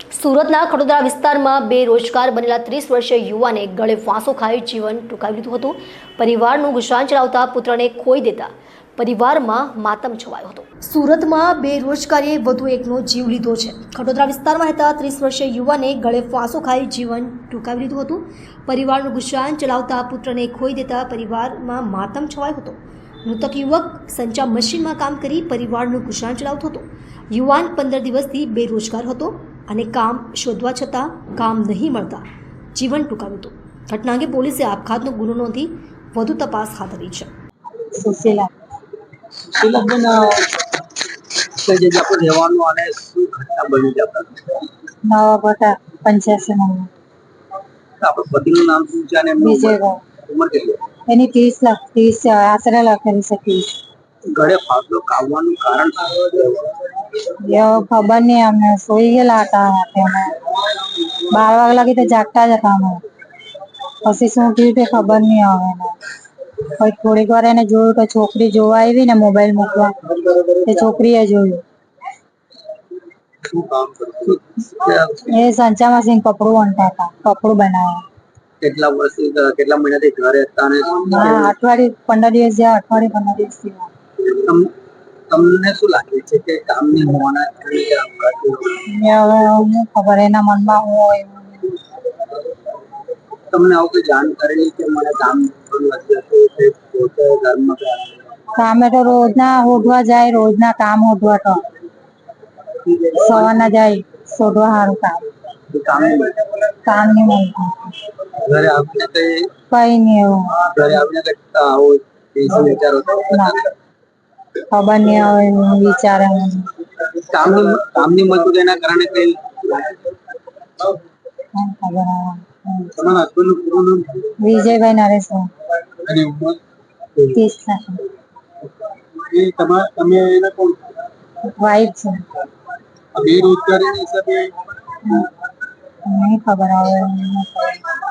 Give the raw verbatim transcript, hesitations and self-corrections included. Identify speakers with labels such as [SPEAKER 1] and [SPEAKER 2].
[SPEAKER 1] સુરતના ખડોદરા વિસ્તારમાં બેરોજગાર બનેલા ત્રીસ વર્ષીય યુવાને ગળે ફાંસો ખાઈ જીવન ટૂંકાવી લીધું હતું। પરિવારનું ગુજરાન ચલાવતા પુત્રને ખોઈ દેતા પરિવારમાં માતમ છવાયો હતો। સુરતમાં બેરોજગારીએ વધુ એકનો જીવ લીધો છે। ખડોદરા વિસ્તારમાં રહેતા ત્રીસ વર્ષીય યુવાને ગળે ફાંસો ખાઈ જીવન ટૂંકાવી લીધું હતું। પરિવારનું ગુજરાન ચલાવતા પુત્રને ખોઈ દેતા પરિવારમાં માતમ છવાયો હતો। મૃતક યુવક સંચા મશીનમાં કામ કરી પરિવારનું ગુજરાન ચલાવતો હતો। યુવાન પંદર દિવસથી બેરોજગાર હતો અને કામ શોધવા છતાં કામ નહીં મળતા જીવન ટૂંકાવ્યું હતું। ઘટના અંગે પોલીસે આપઘાતનો ગુનો નોંધી વધુ તપાસ હાથ ધરી છે।
[SPEAKER 2] સુશીલા
[SPEAKER 3] સુશીલા બેન કઈ જગ્યા પર રહેવાનું અને શું ઘટના બની છે આપણા
[SPEAKER 2] નવા બટા પંચ્યાસી નંબર
[SPEAKER 3] આપણા પતિનું નામ શું છે અને એમની
[SPEAKER 2] વિજયભાઈ
[SPEAKER 3] ઉંમર કેટલી
[SPEAKER 2] એની ત્રીસ લાખ ત્રીસ આશરે લખેલી છે ત્રીસ
[SPEAKER 3] ગળે ફાંસો ખાવાનું કારણ
[SPEAKER 2] એવું ખબર નહીં અમને સોઈ ગયેલા હતા રાતે અમે બાર વાગ્યા લાગી તો જાગતા જ હતા અમે પછી શું થયું તે ખબર નહીં આવે એને પછી થોડીક વાર એને જોયું કે છોકરી જોવા આવી ને મોબાઈલ મૂકવા તે છોકરીએ જોયું
[SPEAKER 3] શું કામ કરતું
[SPEAKER 2] એ સંચા મશીન કપડું વણતા હતા કપડું બનાવે
[SPEAKER 3] કેટલા વર્ષથી કેટલા મહિનાથી ઘરે હતા અને
[SPEAKER 2] હા અઠવાડિયે પંદર દિવસ જ્યાં અઠવાડિયે પંદર દિવસ થયા
[SPEAKER 3] તમ- તમને શું લાગે છે કે કામ નહીં હોવાના કારણે કે આપઘાત થયો?
[SPEAKER 2] હવે હું ખબર એના મનમાં હું હોય એવું નહીં.
[SPEAKER 3] તમને આવું કોઈ જાણ કરેલી કે મને કામ નથી હતું કે પોતે ઘરમાં
[SPEAKER 2] કામે તો રોજના હોધવા જાય રોજના કામ હોધવા તો સવારના જાય શોધવા સારું કામ
[SPEAKER 3] કામ નહીં મળે.
[SPEAKER 2] કામ નહીં મળતું
[SPEAKER 3] ઘરે આવીને કઈ
[SPEAKER 2] કઈ નહીં એવું
[SPEAKER 3] ઘરે આવીને કઈ આવો શું વિચારો છો?
[SPEAKER 2] ના ખબર નહીં હવે હું વિચારે હું
[SPEAKER 3] કામની કામની મજૂરી એના કારણે કઈ
[SPEAKER 2] શું ખબર હવે.
[SPEAKER 3] તમારા હસબન્ડનું પૂરું નામ
[SPEAKER 2] વિજયભાઈ નરેશભાઈ
[SPEAKER 3] અને ઉંમર
[SPEAKER 2] ત્રીસ લાખ
[SPEAKER 3] એ તમારા તમે એના કોણ
[SPEAKER 2] વાઈફ છે
[SPEAKER 3] બેરોજગારીના હિસાબે
[SPEAKER 2] નહીં ખબર હવે